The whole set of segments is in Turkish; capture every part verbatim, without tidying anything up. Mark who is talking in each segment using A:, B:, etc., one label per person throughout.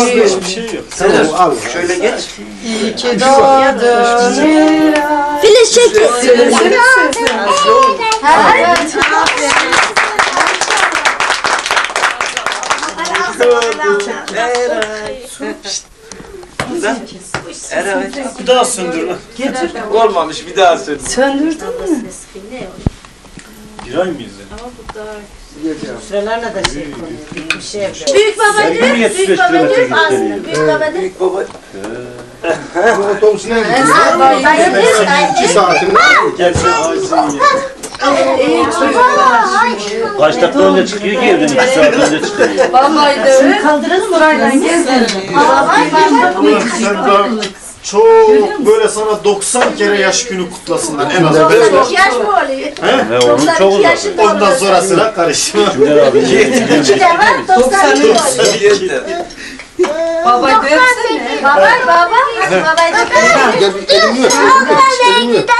A: Fazla hiçbir şey yok.
B: Tamam al. Şöyle geç.
C: İyi ki doğdun.
D: Filiz çek.
A: Bir daha söndür.
C: Getir.
B: Olmamış bir daha söyle.
C: Söndürdün mü?
A: Bir ay mıyız?
E: Sıralarına da şey konuyor. Bir şey yapıyor.
D: Büyük baba diyor. Büyük baba diyor. Aslında büyük baba diyor.
B: Büyük baba. Bu otobüsüne gidiyor. İki saatinde.
A: Gerçekten ağzını ye.
F: Kaç dakika önce çıkıyor ki evden iki saat önce çıkıyor.
C: Vallahi de öyle. Kaldıralım buraydan gezelim.
A: Sen daha çok böyle sana doksan kere yaş günü kutlasınlar en az.
D: Yaş mı oluyor?
F: Ve onun çok uzak.
A: Ondan sonrasına karışma.
F: Cümler abi.
D: İki de var, doksan bir oluyor.
C: Baba görsene.
D: Baba, baba. Hadi babayı da
B: Gel bir elimi öp. Elimi öp.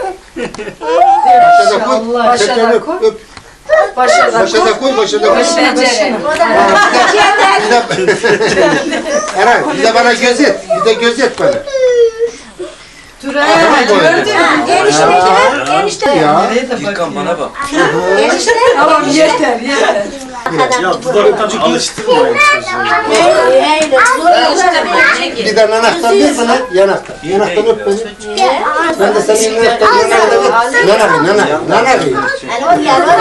B: Başa da koy.
C: Başa da koy.
B: Öp.
C: Başa da
B: Başa da koy. Başa da koy.
C: Başa da
D: O da
B: Eray bir de bana gözet. Bir de gözet bana.
C: Dur ha. Gördün mü?
D: enişte gibi, enişte.
B: Ya.
E: Gülkan bana bak.
D: Enişte.
C: Tamam yeter yeter.
A: Ya dudaktan alıştırmayın çocuğu.
D: Öyle, öyle.
B: Bir de yanaktan ver bana. Yanaktan. Yanaktan öp beni. Ben de senin yanaktan yanaktan öp. Nana nana. Nana
D: Yani o yalan.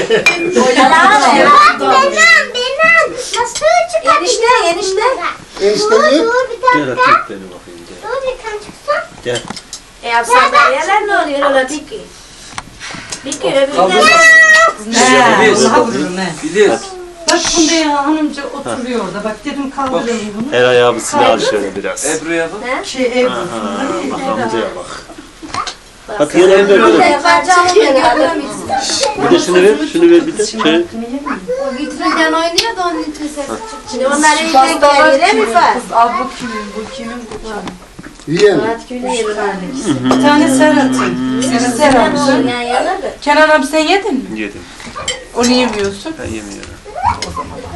D: Enişte, enişte.
B: Enişte öp.
F: Gel öpeyim beni bakayım. Gel. Gel.
D: E yapsan deryalar ne oluyor öyle bir ki? Bir ki öbüründen.
E: Filiz. Filiz.
C: Bak bunda ya hanımca oturuyor orada. Bak dedim kaldırayım bunu.
F: Eray abisini al şöyle biraz.
E: Ebru'ya bak.
C: Şey ev.
F: Bak amcaya bak. Hadi gel evde
D: Burada
F: öyle.
D: yapacağım ya.
F: Bir de şunu ver, şunu ver bir de. Şöyle.
D: O vitrinden oynuyor da onun için ses çıkıyor. Şimdi onlar iyice yere mi var?
C: Al bu kimin, bu kimin, bu kimin.
B: Yiyelim.
D: Saat günü yeri var.
C: Bir tane sen atın. Seni sen
D: Ne
C: atın.
D: olur yani yalan da.
C: Kenan abi sen yedin mi?
F: Yedim.
C: Onu yemiyorsun.
F: Ben yemiyorum.
C: O zaman